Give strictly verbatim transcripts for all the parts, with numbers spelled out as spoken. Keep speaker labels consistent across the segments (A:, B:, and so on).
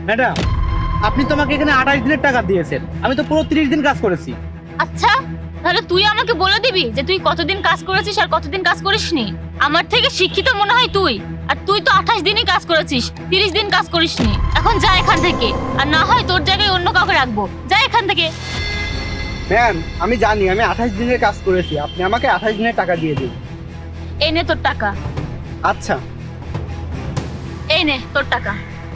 A: Madam, আপনি তো আমাকে এখানে আঠাশ দিনের টাকা দিয়েছেন, আমি তো পুরো তিরিশ দিন কাজ করেছি।
B: আচ্ছা, তাহলে তুই আমাকে বলে দিবি যে তুই কতদিন কাজ করেছিস আর কতদিন কাজ করিসনি? আমার থেকে শিক্ষিত মনে হয় তুই, আর তুই তো আঠাশ দিনই কাজ করেছিস, তিরিশ দিন কাজ করিসনি। এখন যা এখান থেকে, আর না হয় তোর জায়গায় অন্য কাউকে রাখবো। যা এখান থেকে।
A: ম্যাম, আমি জানি আমি আঠাশ দিনের কাজ করেছি, আপনি আমাকে আঠাশ দিনের টাকা দিয়ে দিন।
B: এই নে তোর টাকা।
A: আচ্ছা।
B: এই নে তোর টাকা।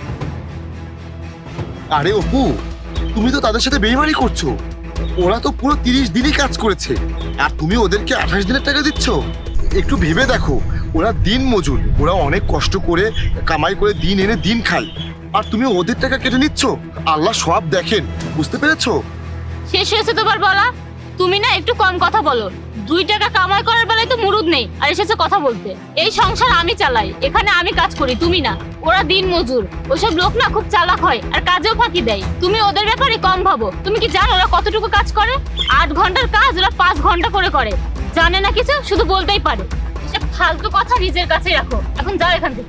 C: আরে অপু, তুমি তো তাদের সাথে বেইমানি করছো। ওরা তো পুরো তিরিশ দিনই কাজ করেছে, আর তুমি ওদেরকে আঠাশ দিনের টাকা দিচ্ছ। একটু ভেবে দেখো, ওরা দিন মজুর, ওরা অনেক কষ্ট করে কামাই করে দিন এনে দিন খায়, আর তুমি ওদের টাকা কেটে নিচ্ছ। আল্লাহ সব দেখেন, বুঝতে পেরেছো?
B: শেষ হয়েছে তোমার বলা? তুমি না একটু কম কথা বলো। দুই টাকা কামাই করার বেলায় তো মুরুদ নেই, আর এসেছে কথা বলতে। এই সংসার আমি চালাই, এখানে আমি কাজ করি, তুমি না। ওরা দিন মজুর, ওসব লোক না খুব চালাক হয় আর কাজেও ফাঁকি দেয়। তুমি ওদের ব্যাপারে কম ভাবো। তুমি কি জানো ওরা কতটুকু কাজ করে? আট ঘন্টার কাজ ওরা পাঁচ ঘন্টা করে করে। জানে না কিছু, শুধু বলতেই পারে। এসব ফালতু কথা নিজের কাছে রাখো। এখন যাও এখান থেকে।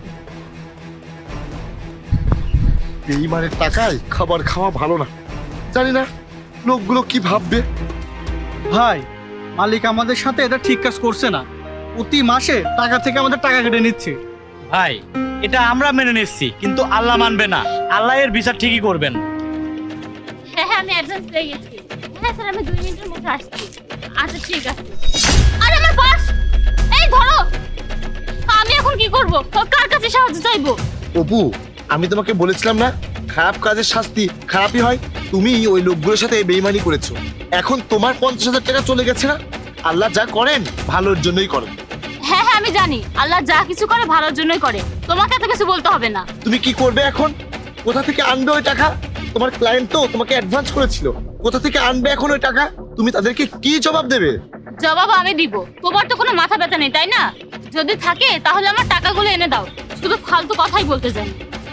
C: বেইমানের টাকায় খাবার খাওয়া ভালো না। জানি না লোকগুলো কি ভাববে।
D: ভাই, মালিক আমাদের সাথে এটা ঠিক কাজ করছে না। প্রতি মাসে টাকা থেকে আমাদের টাকা কেটে নিচ্ছে।
A: ভাই, এটা আমরা মেনে নিচ্ছি, কিন্তু আল্লাহ মানবে না। আল্লাহ এর বিচার ঠিকই করবেন।
B: হ্যাঁ হ্যাঁ, আমি অ্যাডভান্স পেয়ে গেছি। হ্যাঁ স্যার, আমি দুই মিনিটের মধ্যে আসছি। আচ্ছা ঠিক আছে। আরে আমার পার্স! এই ধরো। আমি এখন কি করব? কার কাছে সাহায্য চাইবো?
C: অপু, আমি তোমাকে বলেছিলাম না, খারাপ কাজের শাস্তি খারাপই হয়। তুমি ওই লোকগুলোর সাথে বেইমানি করেছো, এখন তোমার পঞ্চাশ হাজার টাকা চলে গেছে না। আল্লাহ যা করেন ভালোর জন্যই করেন।
B: হ্যাঁ হ্যাঁ, আমি জানি আল্লাহ যা কিছু করে ভালোর জন্যই করে। তোমাকে এত কিছু বলতে হবে না।
C: তুমি কি করবে এখন? কোথা থেকে আনবে ওই টাকা? তোমার ক্লায়েন্ট তো তোমাকে অ্যাডভান্স করেছিল, কোথা থেকে আনবে এখন ওই টাকা? তুমি তাদেরকে কি জবাব দেবে?
B: জবাব আমি দিব। তোমার তো কোনো মাথা ব্যথা নেই, তাই না? যদি থাকে তাহলে আমার টাকাগুলো এনে দাও। শুধু ফালতু কথাই বলতে যাই।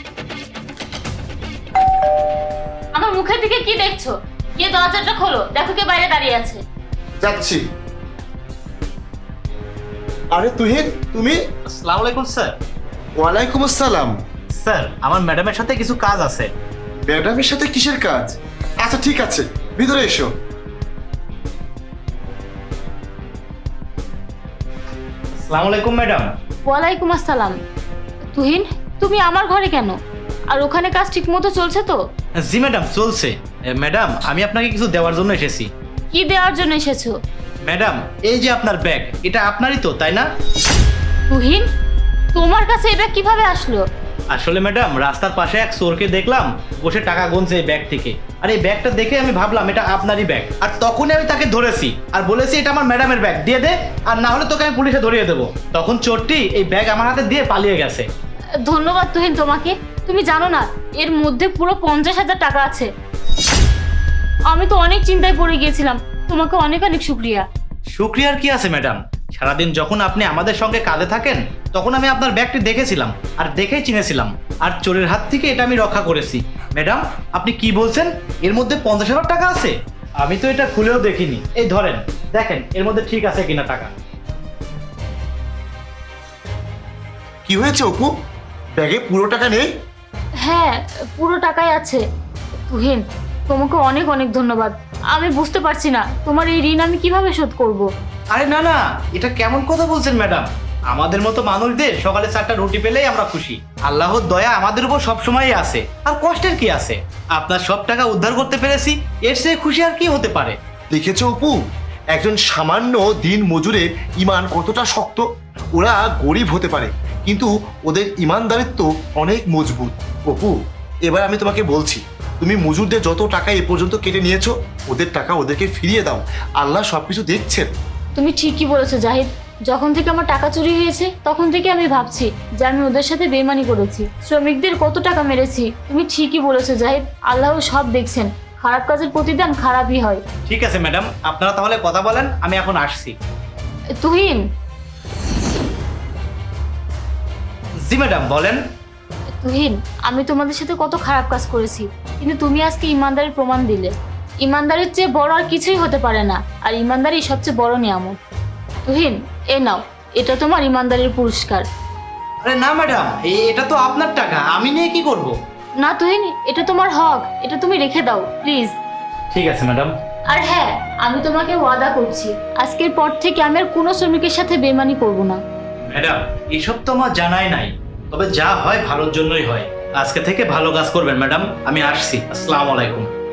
B: আমার মুখের দিকে কি দেখছো? গিয়ে দরজাটা খোলো, দেখো কে বাইরে দাঁড়িয়ে আছে।
C: যাচ্ছি। আরে তুহিন, তুমি?
A: আসসালামু আলাইকুম স্যার।
C: ওয়ালাইকুম আসসালাম।
A: স্যার, আমার ম্যাডামের সাথে কিছু কাজ আছে।
C: ম্যাডামের সাথে কিসের কাজ? আচ্ছা ঠিক আছে, ভিতরে এসো।
A: আসসালামু আলাইকুম ম্যাডাম।
B: ওয়ালাইকুম আসসালাম। তুহিন, তুমি আমার ঘরে কেন? আর ওখানে কাজ ঠিক মতো চলছে তো?
A: জি ম্যাডাম, চলছে। এ, ম্যাডাম, আমি আপনাকে কিছু দেওয়ার জন্য এসেছি।
B: কি দেওয়ার জন্য এসেছো?
A: ম্যাডাম, এই যে আপনার ব্যাগ, এটা আপনারই তো, তাই না?
B: তুহিন, তোমার কাছে এটা কিভাবে আসলো?
A: আসলে ম্যাডাম, রাস্তার পাশে এক চোরকে দেখলাম বসে টাকা গুনছে এই ব্যাগ থেকে। আর এই ব্যাগটা দেখে আমি ভাবলাম এটা আপনারই ব্যাগ। আর তখনই আমি তাকে ধরেছি আর বলেছি এটা আমার ম্যাডামের ব্যাগ, দিয়ে দে, আর না হলে তোকে আমি পুলিশে ধরিয়ে দেবো। তখন চোরটি এই ব্যাগ আমার হাতে দিয়ে পালিয়ে গেছে।
B: ধন্যবাদ তুহিন তোমাকে। তুমি জানো না এর মধ্যে পুরো পঞ্চাশ হাজার টাকা আছে। আমি তো অনেক চিন্তায় পড়ে গিয়েছিলাম। তোমাকে অনেক অনেক শুক্রিয়া।
A: শুক্রিয়ার কি আছে ম্যাডাম? সারাদিন যখন আপনি আমাদের সঙ্গে কাজে থাকেন তখন আমি আপনার ব্যাগটি দেখেছিলাম আর দেখেই চিনেছিলাম, আর চোরের হাত থেকে এটা আমি রক্ষা করেছি। ম্যাডাম, আপনি কি বলছেন? এর মধ্যে পঞ্চাশ হাজার টাকা আছে? আমি তো এটা খুলেও দেখিনি। এই ধরেন, দেখেন এর মধ্যে ঠিক আছে কিনা টাকা।
C: কি হয়েছে অপু? ব্যাগে পুরো টাকা নেই?
B: হ্যাঁ, পুরো টাকাই আছে। তুহিন, তোমাকে অনেক অনেক ধন্যবাদ। আমি বুঝতে পারছি না তোমার এই ঋণ আমি কিভাবে শোধ করব।
A: আরে না না, এটা কেমন কথা বলছেন ম্যাডাম? আমাদের মতো মানুষদের সকালে চারটা রুটি পেলেই আমরা খুশি। আল্লাহর দয়া আমাদের উপর সবসময়ই আছে, আর কষ্টের কি আছে? আপনার সব টাকা উদ্ধার করতে পেরেছি, এর চেয়ে খুশি আর কি হতে পারে?
C: দেখেছো অপু, একজন সামান্য দিন মজুরের ইমান কতটা শক্ত। ওরা গরিব হতে পারে, কিন্তু ওদের ইমানদারিত্ব অনেক মজবুত। অপু, এবার আমি তোমাকে বলছি, তুমি মজুরদের যত টাকা এ পর্যন্ত কেটে নিয়েছো, ওদের টাকা ওদেরকে ফিরিয়ে দাও। আল্লাহ সবকিছু দেখছেন।
B: তুমি ঠিকই বলেছো জাহিদ। যখন থেকে আমার টাকা চুরি হয়েছে তখন থেকে আমি ভাবছি যে আমি ওদের সাথে বেইমানি করেছি, শ্রমিকদের কত টাকা মেরেছি। তুমি ঠিকই বলেছো জাহিদ, আল্লাহ সব দেখছেন। খারাপ কাজের প্রতিদান খারাপই হয়।
A: ঠিক আছে ম্যাডাম, আপনারা তাহলে কথা বলেন, আমি এখন আসছি।
B: তুহিন।
A: জি ম্যাডাম, বলেন।
B: তুহিন, আমি তোমাদের সাথে কত খারাপ কাজ করেছি, কিন্তু তুমি আজকে ইমানদারির প্রমাণ দিলে। ইমানদারির চেয়ে বড় আর কিছুই হতে পারে না, আর ইমানদারি সবচেয়ে বড় নিয়ামত। তুহিন, এ নাও, এটা তোমার ইমানদারির পুরস্কার।
A: আরে না ম্যাডাম, এটা তো আপনার টাকা, আমি নিয়ে কি করব?
B: না তুহিন, এটা তোমার হক, এটা তুমি রেখে দাও প্লিজ।
A: ঠিক আছে ম্যাডাম।
B: আর হ্যাঁ, আমি তোমাকে ওয়াদা করছি আজকের পর থেকে আমি আর কোনো শ্রমিকের সাথে বেমানি করব না।
A: ম্যাডাম এসব তো আমার জানাই নাই, তবে যা হয় ভালোর জন্যই হয়। আজকে থেকে ভালো কাজ করবেন ম্যাডাম, আমি আসছি। আসসালামু আলাইকুম।